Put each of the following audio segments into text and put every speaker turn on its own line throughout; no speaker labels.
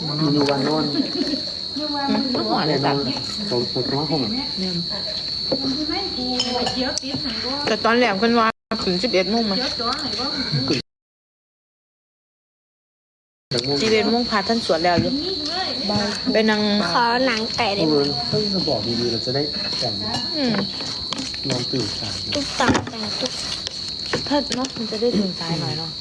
อยู่วันนอน
มันหวานเลยจ้ะ
ตรงตัวห้อง
แต่ตอนแหลมกันว่าถึง11 โมงมา11 โมงพาท่านสวดแล้วอยู่ไปนั่ง
ขอหนังไก่ได้ไหม
ต้องจะบอกดีๆเราจะได้แต่ง
อืม
นอนตื่นสาย
ตุ๊กตังแต่งตุ๊ก
ถ้าเนาะมันจะได้ถึงสายหน่อยเนาะ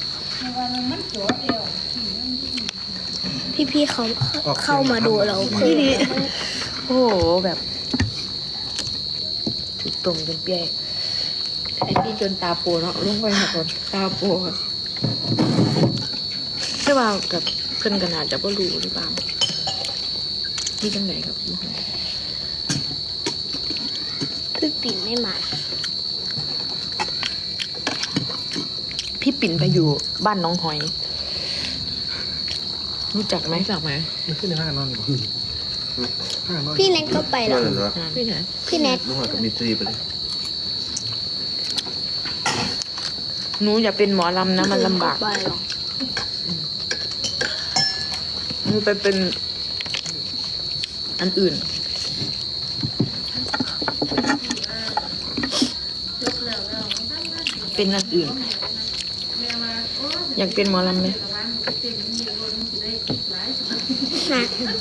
พี่ๆเขาเข้ามาดูเราเพื่อ
โอ้โหแบบถูกตรงจนเปียไอ้พี่จนตาโปเนาะลงไปหักคนตาโปใช่ว่ากับเพื่อนกันอาจจะไม่รู้หรือเปล่านี่จังไหนครับ
พี่ปิ่นไม่มา
พี่ปิ่นไปอยู่บ้านน้องหอย รู้จักไหม
รู้จักไหม
ไม่ขึ้นในห้างนอนหรือห้างนอน
พี่เน็ตก็ไปหรอ
พี่ไหน
พี่เน็ต
น้องหอยกับมิตรีไปเลย
หนูอย่าเป็นหมอลำนะมันลำบาก
ไปหรอ
หนูไปเป็นอันอื่น เป็นอันอื่น อยากเป็นหมอลำไหม
นะ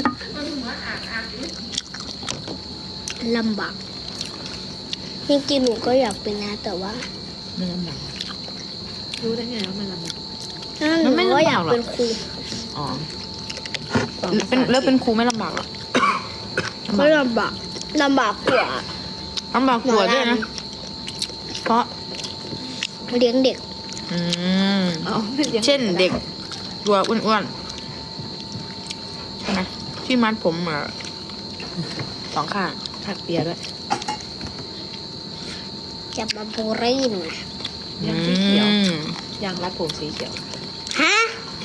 ลำบากจริงๆหนูก็อยากเป็นนะแต่ว่า
มันลำบาก
รู้ได้ไงว่ามันลำบาก
หนูก็อยากเป็นครู
อ๋อเป็นแล้วเป็นครูไม่ลำบากหรอ
ก็ลำบากกว่า
ลำบากกว่าด้วยนะ เพราะ
เลี้ยงเด็ก
อืม
เอาไม่ลี้ยง
เช่นเด็กตัวอ้วนๆใช่ไหมที่มัดผมสองข้างถักเปียด้วย
จะมาบูลลี่หนูนะ
ยางสีเขียว
อืม
ยางรัดผมสีเขียว
ฮะ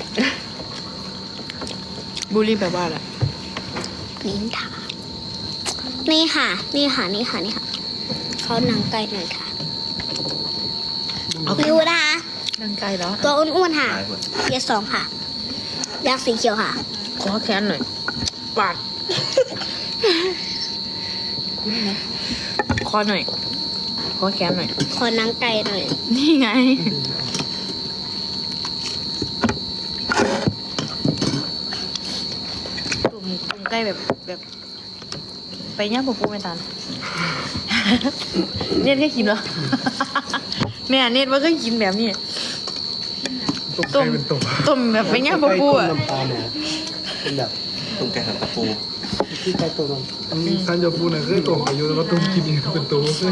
บูลลี่แปลว่าอะไร
นินทานี่ค่ะ นี่ค่ะ นี่ค่ะ นี่ค่ะ เขาหนังไก่หน่อยค่ะดูนะคะ
นางไกลแล้ว
ตัวอ้วนๆค่ะเทียร์สองค่ะ ยักษ์สีเขียวค่ะ
ขอแขนหน่อยปาด
คุ้นไหม
คอหน่อย ขอแขนหน่อย
ขอหนังไก่หน่อย
นี่ไง ตุ่มใกล้แบบไปย่างปูไม่ทัน เน็ตแค่กินเหรอ แม่เน็ตว่าเคยกินแบบนี้
ต้มเป็นตัว
ต้มแบบไปย่างปูอ่ะ
น้ำปลาเนี่ยเป็นแบบ
ตุ้มแกงหันตะปู
ที่ใกล้ตัวน้ำ
ซันจะปูน่ะเคยตกอายุแล้วก็ต้มกินอีกเป็นตัวเลย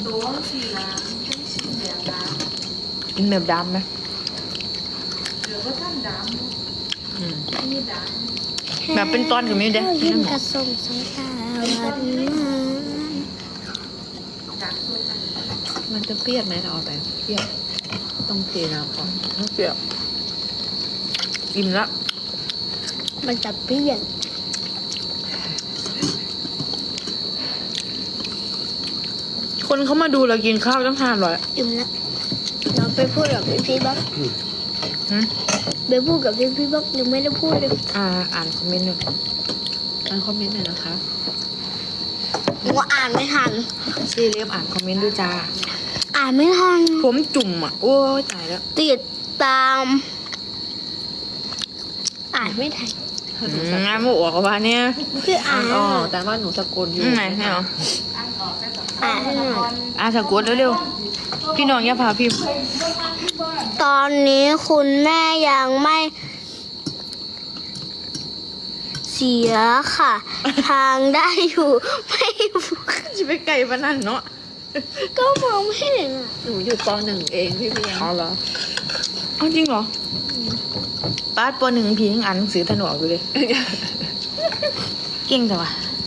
กินแบบดำไหมอืมแบบเป็นตอนกับมิวเด้
ยิ้มกระสมสายตาหวาน
มันจะเปรี้ยวไหมเราเอาไปเปรี้ยวต้องเทน้ำก่อน
ไม่เปรี้ยวอิ่มละ
มันจะเปรี้ยน
คนเขามาดูเรากินข้าวตั้ง500
อิ่มละเราไปพูดกับพี่บ๊อก
หืม
ไปพูดกับพี่บ๊อกยังไม่ได้พูดเลย
อ่านคอมเมนต์หนึ่ง
อ่านคอมเมนต์หน่อยนะคะ
หนูอ่านไม่ทัน
ซีเรียบอ่านคอมเมนต์ด้วยจ้า
อ่านไม่ทัน
ผมจุ่มอ่ะ โอ้ยตายแล้ว
ติดตาม อ่านไม่ทัน
งานหมูออกมาเนี่ย
คืออ่า
อ่าน นออกแต่ว่าหนูสะกดอยู่
ไหนให้เหรอ
อ่านให้หน่อย
สะกดเร็วๆพี่น้องอย่าพาพิมพ์
ตอนนี้คุณแม่ยังไม่เสียค่ะ ทางได้อยู่ไม่
จะไปไก่ปะนั่นเนาะ
ก็มองไม่เห็นอะ
หนูอยู่ป .1 เองพี่เพียง
เอาเหรอเอาจริงเหรอป้าดป.1พี่ยังอ่านหนังสือถนออกอยู่เลย เก่งจังวะ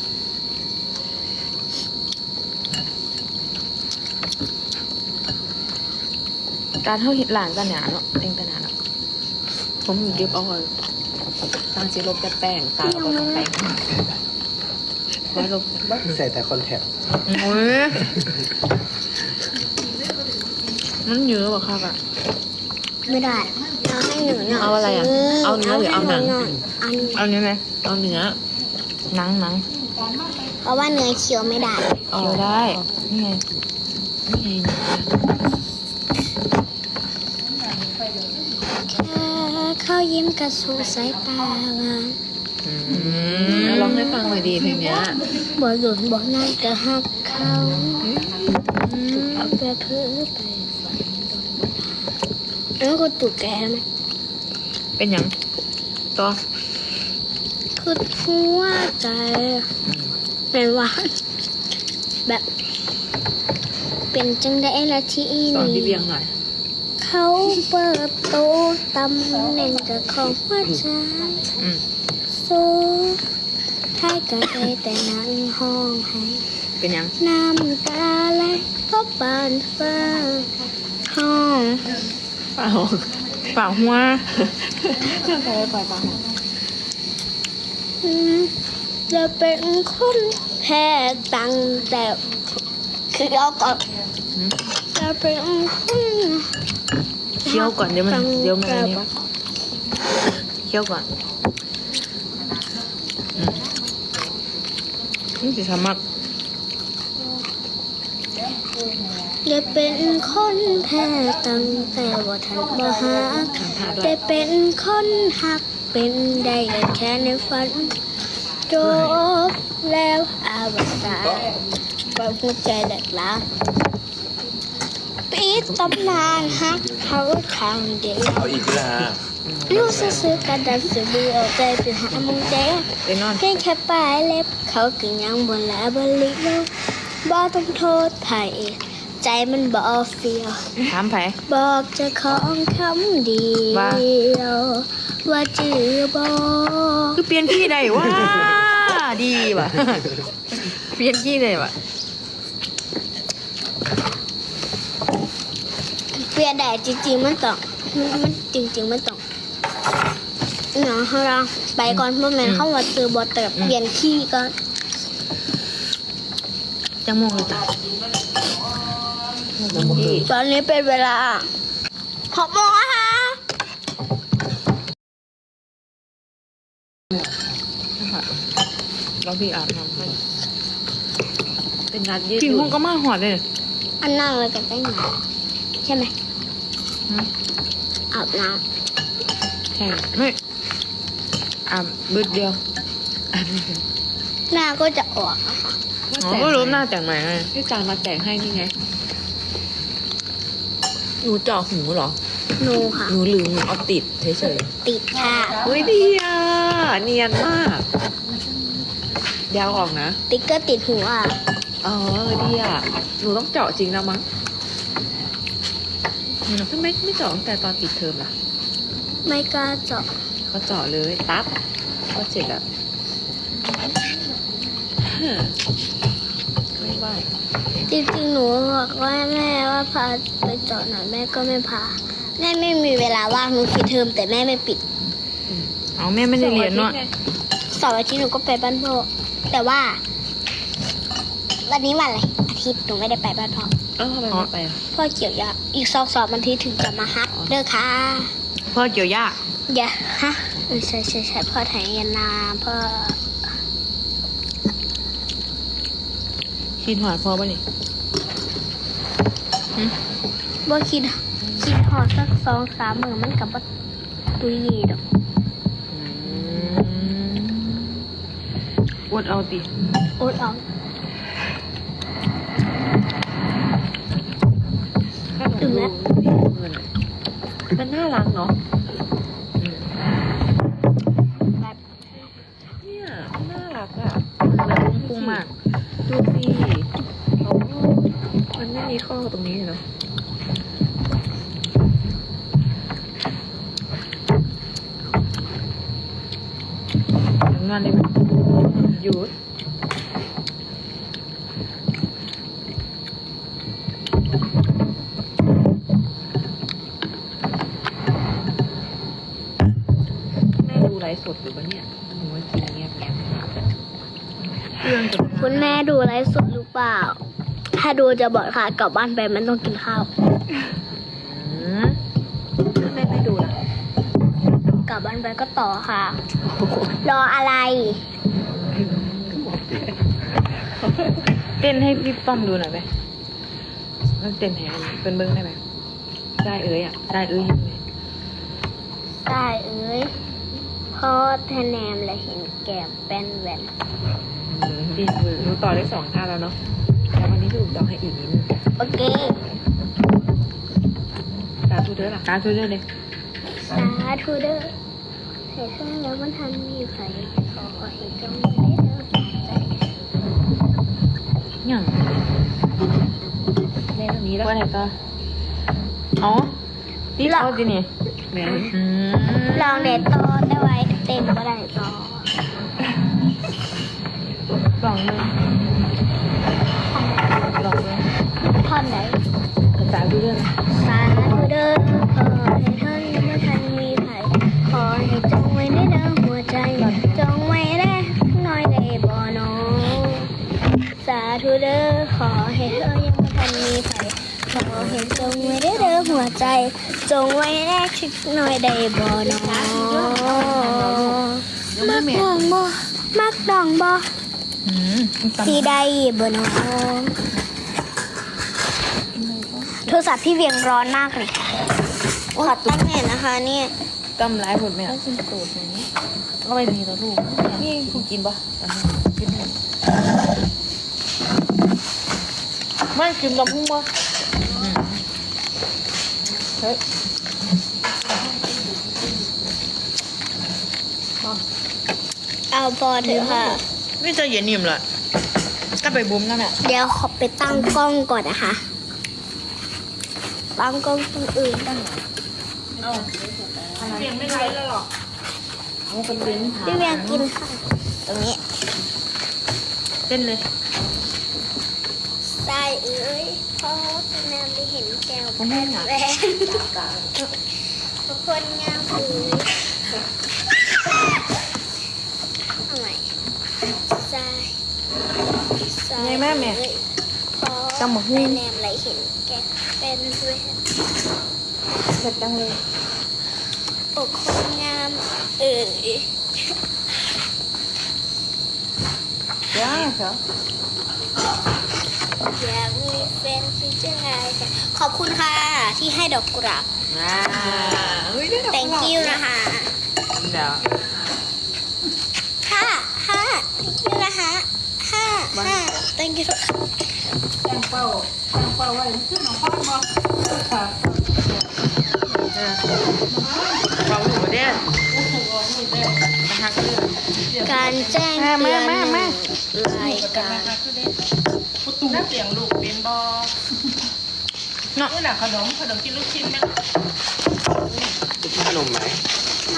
การเท่าหิดหลานกันหนาเนาะเองกันหนาเนาะผมอยู่เก็บเอาไว้
ตางสีลบแต่แป้งตาเราก็ต้องแป้งไว้ลบ
ใส่แต่คอนแทค
โอ้ยมันเยอะกว่าค่ะ
ไม่ได้
ท
เอาให้หนูหน่อย
เอาอะไรอ่ะ เอาเนื้อหรือเอาหนัง
เอาเนื้อ
เอาเนี้ยไหม
เอาเนื้อ
หนัง
เพราะว่าเนื้อเคี้ยวไม่ได้
เคี้ยวได้นี่ไง
นี่ไง
แค่เขายิ้มกระสูสายตาหวาน
ลองให้ฟังหน่อยดีเพลงเนี้ย
บ่หลุนบ่นั่งกระหักเขาเอาไปเพื่อไปฝันแล้วก็ตุกแกไหม
เป็นหยังต่อ
คือหัวใจเป็นหวานแบบ เป็นจังได้ละที่
สอนพี่
นี่
เบียงหน่อย
เขาเปิดโตตำแหน่งกับของหัวใจ
อืม
สู้ให้กับใครแต่นั่งห้องให้
เป็นหยัง
น้ำตาไหลเพราะบานฟ้าห้อง
เปล่า
เปล่าหัว
ไปปล่อยปลา
จะเป็นคนแพ้ตังแต่คือเอาก่อนจะเป็นคน
เคี้ยวก่อนเดี๋ยวมัน
ตัง
เดี๋ยวมัน
แต่
อันนี้เคี้ยวก่อนนี่สิสามัก
จะเป็นคนแพ้ตังแต่ว่าทันบ่หา
ทำท่าด้ว
ได้
ย
เป็นคนหักเป็นได้แค่ในฝันจบแล้วอาวสานบางหัวใจแหลกล้างปิดตำนานหักเขาทางเดียว
เอาอีกละ
รู้สึกกระดันสืบเอาใจไปหามึงเจ๊
ไปนอน
เพียงแค่ปลายเล็บเขาก็ยังบนแลบลิโลบ่ต้องโทษไผใจมันบ่เฟียว
ถามไผ
บอกเจะของคำเดียวว่าจือบอก
คือเปลี่ยนขี้ได้ว้าดีว่ะ เปลี่ยนขี้ได้ว่ะ
เปลี่ยนได้จริงๆมันต้องมันจริงๆมันต้องเนาะเราไปก่อนเพราะแม่นเข้ามาซื้อบอเติบเปลี่ยนขี้ก่อน
จังโมงเลยจ้ะ
ตอนนี้เป็นเวลา6 โมงนะคะ
เราพี่อาบน้ำให้
เป็นนัดยืด
พี่
ห
ห้
ยุ่
อง
น
ก็มาหอดเลย
อันนั่งเลยกันได้ไหมใช่ไหม
ฮะ
อาบน้
ใช่ไม่อาบบึดเดียว
ำหน้าก็จะออกนะคะ
อ๋อก็รู้หน้าแต่งใหม่ไง
พี่จานมาแต่งให้นี่ไง หนูเจาะหูเหรอ
หนูค่ะ
หนูลืมหนูเอาติดเฉย
ติดค่ะ
ๆเฮ้ยดีอ่ะ เนียนมากเดี๋ยวเอาออกนะ
ติ๊กเกอร์ติดหัว
อ๋อดีอ่ะ หนูต้องเจาะจริงแล้วมั้งทำไมไม่เจาะตั้งแต่ตอนปิดเทอมล่ะ
ไม่กล้าเจาะ
ก็เจาะเลยปั๊บก็เสร็จแล้วไม่ไหว
จริงๆหนูบอกว่าแม่ว่าพาไปเจาะหน่อยแม่ก็ไม่พาแม่ไม่มีเวลาว่างหนูปิดเทอมแต่แม่ไม่ปิด
เอาแม่ไม่ได้เรียนเนาะ
เสาร์อาทิตย์หนูก็ไปบ้านพ่อแต่ว่า วันนี้วันอะไรอาทิตย์หนูไม่ได้ไปบ้านพ่อ
เออทำไมไม่ไปอ่ะ
พ่อเกี่ยวยาอีก2 วันที่ถึงจะมาฮักเด้อค่ะ
พ่อเกี่ยวหญ้า
อย่าฮะใช่พ่อไถยานาพ่อ
คิดหอดพ่อป่ะนี่
บ่คิดหอดสัก2-3 มื้อมันกับว่าตุยดีดอก
อวดเอาติ
อดเอา
ถ้าหนูดูเงินมันน่ารักเนาะ
แบบ
เนี่ยมันน่ารักอ่ะ
แบบพุ่งมาก
ดูสิโอ้มันไม่มีข้อตรงนี้เลยเนาะ
งานได้ไหม
หยุดแม่ดูไลฟ์สดอยู่ปะเนี่ยหนูว่ากินเงียบ
เรื่องจะ
คุณแม่ดูไลฟ์สดหรือเปล่า ถ้าดูจะบอกค่ะกลับบ้านไปมันต้องกินข้าว
แม่ไม่ดูล่ะ
ลับบ้านไปก็ต่อค่ะ รออะไร
เต้นให้พี่ป้อมดูหน่อยไหมเต้นให้เป็นเบิ้งได้ไหมได้เอ้ยอ่ะได้เอ้ยยังไง
ได้เอ้ยพอทะแนมและเห็นแก้มเป็นแหวน
ดีมือหนูต่อได้2 ท่าแล้วเนาะแล้ววันนี้ถูกต้องให้อีกนิดนึง
โอเค
สาธุเด้อล่ะสาธุเด้อเลย
สาธุเด้อให้เธอแล้วมันทันมีไผขอให้จงได้เด้อใจ
อย่าง
แม่ตรงนี้แล้ว
ว่าไหนต่ออ๋อที่เราจีนี่
แม่
ลองเด็ดต่อได้ไว้เต็มก็ได้ต่อ
ลองเลยลองเลย
ท่อนไหน
สาธุเด้อ
สาธุเด้อขอให้ท่านเมื่อทันมีไผขอให้จงไว้ในเด้อหัวใจจงไว้ได้น้อยได้บ่หนอสาธุเด้อขอให้เธอยังไม่ทันมีไผขอให้จงไว้ได้เด้อหัวใจจงไว้ได้ชิดน้อยได้บ่หนอมักดองบ่มักดองบ่สีได้บ่หนอโทรศัพท์พี่เวียงร้อนมากเลยขอตั้งเน็ตนะคะเนี่ย
กำไรผลไหมอ่ะก็ไปมีตัวลูกนี่คุณกินปะกินไม่กินกับพุ่งปะเฮ้ย
เอาพอเถอะค่ะ
ไม่จะเย็นนิ่มเลยก็ไปบุ้มกันอ่ะ
เดี๋ยวขอไปตั้งกล้องก่อนนะคะ ตั้งกล้องตรงอื่นตั้ง
เปลี่ยนไม่ไรแล้วหรอเอาเป็นลิ้น
พี่เวียงกินค่ะ ตรงนี้
เต้นเลย
ทรายเอ้ยพอจะนำไปเห็นแก้วแว่นแว่นทุกคนงามเอ้ยเอาใหม่ทรายทราย
ไงแม่แม่
เอ้ยพอ
จำหมดหุ้
ไป
น
แนมไหลเห็นแก้วเป็นแว่น
เสร็จจังเลย
โอ้คนงามเอ้ย
ย่าเหรอ
อยากมีแฟนที่จะไงกันขอบคุณค่ะ ที่ให้ดอกกุหลาบ
เฮ้ยได้ดอก
thank you นะคะ
เดี๋ยว
5 thank you นะคะ5 thank you
เราอยู่ประเทศนะคะคือ
การแจ้งเตือน
แม่
รายการ
ตุ้มเสียงลูกเป็นบอ
เนาะ
นี่แหละขนมกินลูกชิ้นไหม
จะกินขนมไหม
ไม่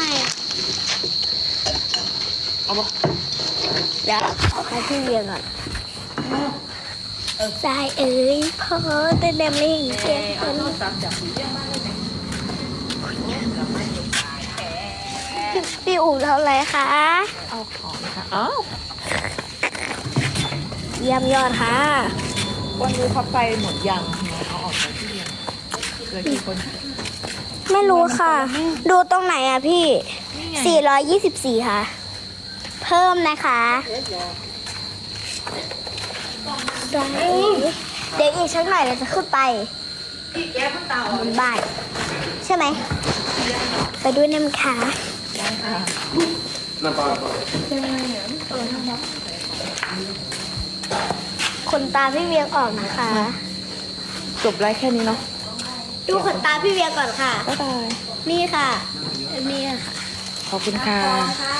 เอาบ่
เดี๋ยวเอาให้พี่เรียนก่อนทรายเอ๋ยพอแต่แนมไม่เห็นแก้วพี่อู๋เท่าไรคะ
เอาของค่ะอ้าว
เยี่ยมยอดค่ะ
วันนี้พับไฟหมดยังเอาออกไปที่เรียนเหลือกี่คน
ไม่รู้ค่ะ ดูตรงไหนอ่ะพี่ 424 ค่ะ เพิ่มนะคะเดี๋ยวอีกสักหน่อยเราจะขึ้นไปบนบ้านใช่ไหม ไปด้วยน้ำค่ะ
น้ำปลา
ขนตาพี่เวียงออกนะคะ
จบไลฟ์แค่นี้เนาะ
ดูขนตาพี่เวียงก่อนค่ะ
บ๊ายบาย
นี่ค่ะ นี่ค่ะ
ขอบคุณค่ะ
ค่ะ